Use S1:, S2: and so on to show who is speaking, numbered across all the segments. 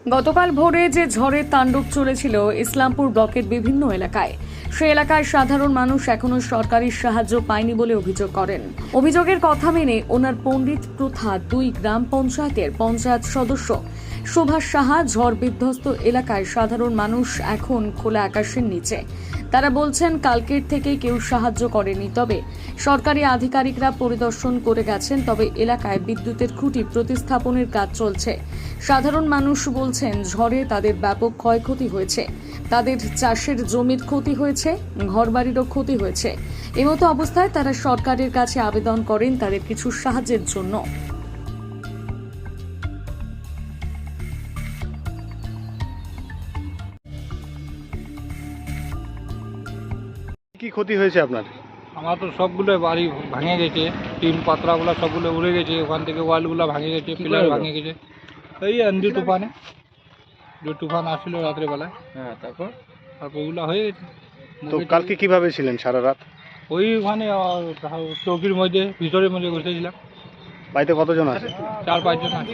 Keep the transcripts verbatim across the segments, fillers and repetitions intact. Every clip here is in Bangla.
S1: গতকাল ভোরে যে ঝড়ের তাণ্ডব চলেছিল ইসলামপুর ব্লকের বিভিন্ন এলাকায়, সে এলাকায় সাধারণ মানুষ এখনো সরকারি সাহায্য পায়নি বলে অভিযোগ করেন। অভিযোগের কথা মেনে ওনার পণ্ডিত প্রথা দুই গ্রাম পঞ্চায়েতের পঞ্চায়েত সদস্য সুভাষ সাহা ঝড় বিধ্বস্ত এলাকায় সাধারণ মানুষ এখন খোলা আকাশের নিচে। তারা বলছেন কালকের থেকে কেউ সাহায্য করেনি, তবে সরকারি আধিকারিকরা পরিদর্শন করে গেছেন, তবে এলাকায় বিদ্যুতের খুঁটি প্রতিস্থাপনের কাজ চলছে। সাধারণ মানুষ বলছেন ঝড়ে তাদের ব্যাপক ক্ষয়ক্ষতি হয়েছে, তাদের চাষের জমির ক্ষতি হয়েছে, ঘরবাড়িরও ক্ষতি হয়েছে। এমতো অবস্থায় তারা সরকারের কাছে আবেদন করেন তাদের কিছু সাহায্যের জন্য।
S2: কি ক্ষতি হয়েছে আপনার?
S3: আমার তো সবগুলো বাড়ি ভাঙে গেছে, টিন পাতরাগুলো সবগুলো উড়ে গেছে, ওখান থেকে ওয়ালগুলো ভাঙে গেছে, পিলার ভাঙে গেছে। এই আন্ধি তুফানে, যে তুফান আসছিল রাত্রেবেলায়, হ্যাঁ তারপর তারপর ওগুলো হয়ে গেছে।
S2: তো কালকে কিভাবে ছিলেন সারা রাত?
S3: ওইখানে চৌকির মধ্যে ভিতরের মধ্যে বসেছিলাম।
S2: বাড়িতে কতজন আছে?
S3: চার পাঁচজন আছে।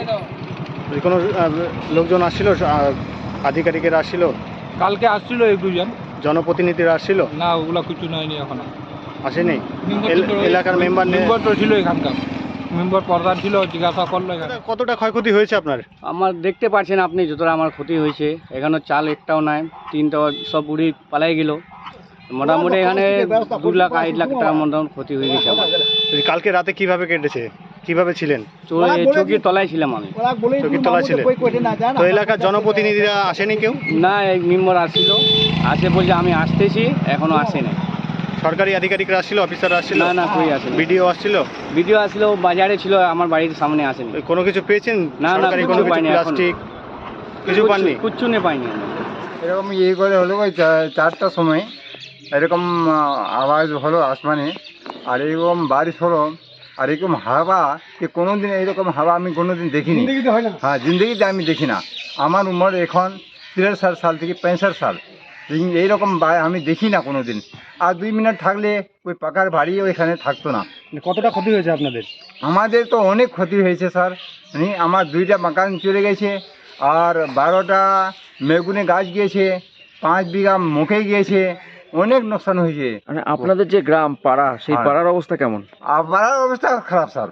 S2: কোনো আহ, লোকজন আসছিল, আহ, আধিকারিকেরা আসছিল?
S3: কালকে আসছিল এক দুজন,
S2: জনপ্রতিনিধিরা আসছিল?
S3: না ওগুলো কিছু নয়নি এখনো,
S2: আসেনি। এল- এলাকার মেম্বার
S3: মেম্বার তো ছিল এখানকার, মেম্বার প্রধান ছিল, জিজ্ঞাসা করলো এখানে।
S2: কতটা ক্ষয়ক্ষতি হয়েছে আপনার?
S4: আমার দেখতে পাচ্ছেন আপনি যতটা আমার ক্ষতি হয়েছে, এখানে চাল একটাও নাই, তিনটা সব উড়ি পালাই গেল। মোটামুটি এখানে দু লাখ আড়াই লাখ টাকার মোটামুটি ক্ষতি হয়ে গেছে আমার।
S2: কালকে রাতে কিভাবে কেটেছে, কিভাবে ছিলেন?
S4: চৌকির তলায় ছিলাম আমি।
S2: চৌকির তলায় ছিলেন? তো এলাকার জনপ্রতিনিধিরা আসেনি কেউ?
S4: না, এক মেম্বার আসছিল, আসে বলছে আমি আসতেছি, এখনো আসেনি।
S2: সরকারি আধিকারিকরা আসছিল, অফিসাররা আসছিল?
S4: না না, কই আসেনি।
S2: বিডিও আসছিল?
S4: ভিডিও আসলো, বাজারে ছিল, আমার বাড়ির সামনে আসেনি।
S2: কোনো কিছু পেয়েছেন?
S4: না, না,
S2: সরকারি
S4: কিছু
S2: কোনো কিছু,
S4: পাইনি এখনো।
S2: প্লাস্টিক কিছু পাননি?
S4: কিচ্ছু নেই, পাইনি আমি।
S5: এরকম ইয়ে করে হলো ওই চা- চারটার সময় এরকম আহ, আওয়াজ হলো আসমানে, আর এরকম বারিশ হলো, আর এরকম হাওয়া, যে কোনো দিন এইরকম হাওয়া আমি কোনো দিন দেখিনি। হ্যাঁ, জিন্দগিতে আমি দেখি না। আমার উমর এখন তিরাশি সাল থেকে পঁয়ষট্টি সাল, এই- এইরকম বা- আমি দেখি না কোনো দিন। আর দুই মিনিট থাকলে ওই পাকার বাড়ি ওইখানে থাকতো না।
S2: কতটা ক্ষতি হয়েছে আপনাদের?
S5: আমাদের তো অনেক ক্ষতি হয়েছে স্যার। নি, আমার দুইটা মাকান চলে গেছে, আর বারোটা মেগুনে গাছ গিয়েছে, পাঁচ বিঘা মুখে গিয়েছে, অনেক নোকসান হয়েছে।
S6: মানে আপনাদের যে গ্রাম পাড়া, সেই
S5: হ্যাঁ।
S6: পাড়ার অবস্থা কেমন?
S5: আর পাড়ার অবস্থা খারাপ স্যার,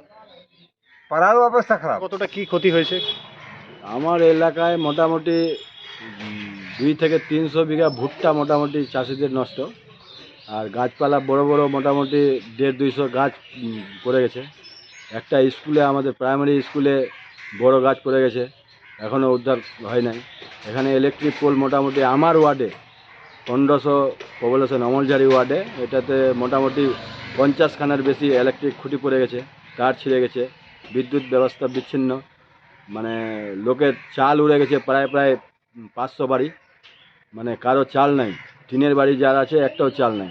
S5: পাড়ার অবস্থা খারাপ।
S2: কতটা কি ক্ষতি হয়েছে?
S7: আমার এলাকায় মোটামুটি উম, দুই থেকে তিনশো বিঘা ভুট্টা মোটামুটি চাষিদের নষ্ট, আর গাছপালা বড় বড় মোটামুটি দেড় দুইশো গাছ উম, পড়ে গেছে। একটা স্কুলে, আমাদের প্রাইমারি স্কুলে বড় গাছ পড়ে গেছে, এখনও উদ্ধার হয় নাই। এখানে ইলেকট্রিক পোল মোটামুটি আমার ওয়ার্ডে পনেরোশো পপুলেশন, অমলঝারি ওয়ার্ডে, এটাতে মোটামুটি পঞ্চাশখানার বেশি ইলেকট্রিক খুঁটি পড়ে গেছে, তার ছিঁড়ে গেছে, বিদ্যুৎ ব্যবস্থা বিচ্ছিন্ন, মানে লোকের চাল উড়ে গেছে প্রায় প্রায় পাঁচশো বাড়ি, মানে কারো চাল নাই। টিনের বাড়ি যার আছে একটাও চাল নাই,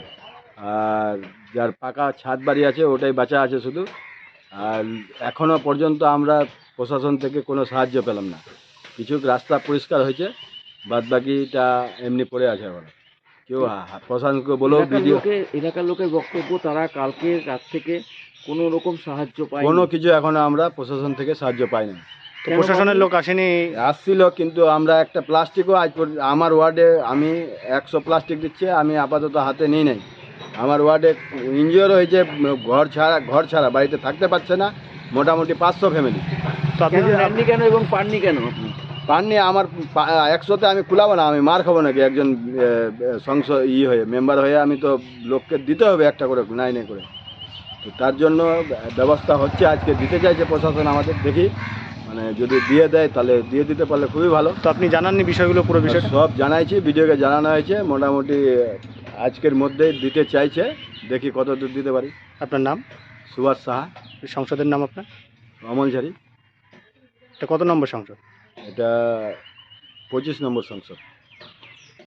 S7: আর যার পাকা ছাদ বাড়ি আছে ওটাই বাঁচা আছে শুধু। আর এখনও পর্যন্ত আমরা প্রশাসন থেকে কোনো সাহায্য পেলাম না। কিছু রাস্তা পরিষ্কার হয়েছে, বাদ বাকিটা এমনি পড়ে আছে। এখন কেউ হা- প্রশাসনকে বলেও
S6: এলাকার
S7: ভিডিও,
S6: লোকে এলাকার লোকের বক্তব্য, তারা কালকে রাত থেকে কোনো রকম সাহায্য পায়
S7: কোনো কিছু এখনো আমরা প্রশাসন থেকে সাহায্য পাই না।
S2: তো প্রশাসনের লোক আসেনি?
S7: আসছিল, কিন্তু আমরা একটা প্লাস্টিকও আজ পর্যন্ত, আমার ওয়ার্ডে আমি একশো প্লাস্টিক দিচ্ছে, আমি আপাতত হাতে নিই নাই। আমার ওয়ার্ডে ইনজিওর হয়েছে, ঘর ছাড়া ঘর ছাড়া বাড়িতে থাকতে পারছে না মোটামুটি পাঁচশো ফ্যামিলি।
S2: তো আপনি যে
S6: নেননি কেন এবং পাননি কেন আপনি?
S7: পাননি, আমার পা- একশোতে আমি কুলাবো না, আমি মার খাবো নাকি? একজন সংসদ ই হয়ে, মেম্বার হয়ে আমি তো লোককে দিতে হবে একটা করে, নাই নাই করে। তো তার জন্য ব্যবস্থা হচ্ছে, আজকে দিতে চাইছে প্রশাসন আমাদের, দেখি মানে যদি দিয়ে দেয় তাহলে দিয়ে দিতে পারলে খুবই ভালো।
S2: তো আপনি জানাননি বিষয়গুলো, পুরো বিষয়টা?
S7: সব জানাইছি, ভিডিওকে জানানো হয়েছে, মোটামুটি আজকের মধ্যেই দিতে চাইছে, দেখি কত দূর দিতে পারি।
S2: আপনার নাম?
S7: সুভাষ সাহা,
S2: সংসদের নাম আপনার?
S7: অমলঝারি।
S2: এটা কত নম্বর সংসদ?
S7: এটা পঁচিশ নম্বর সংসদ।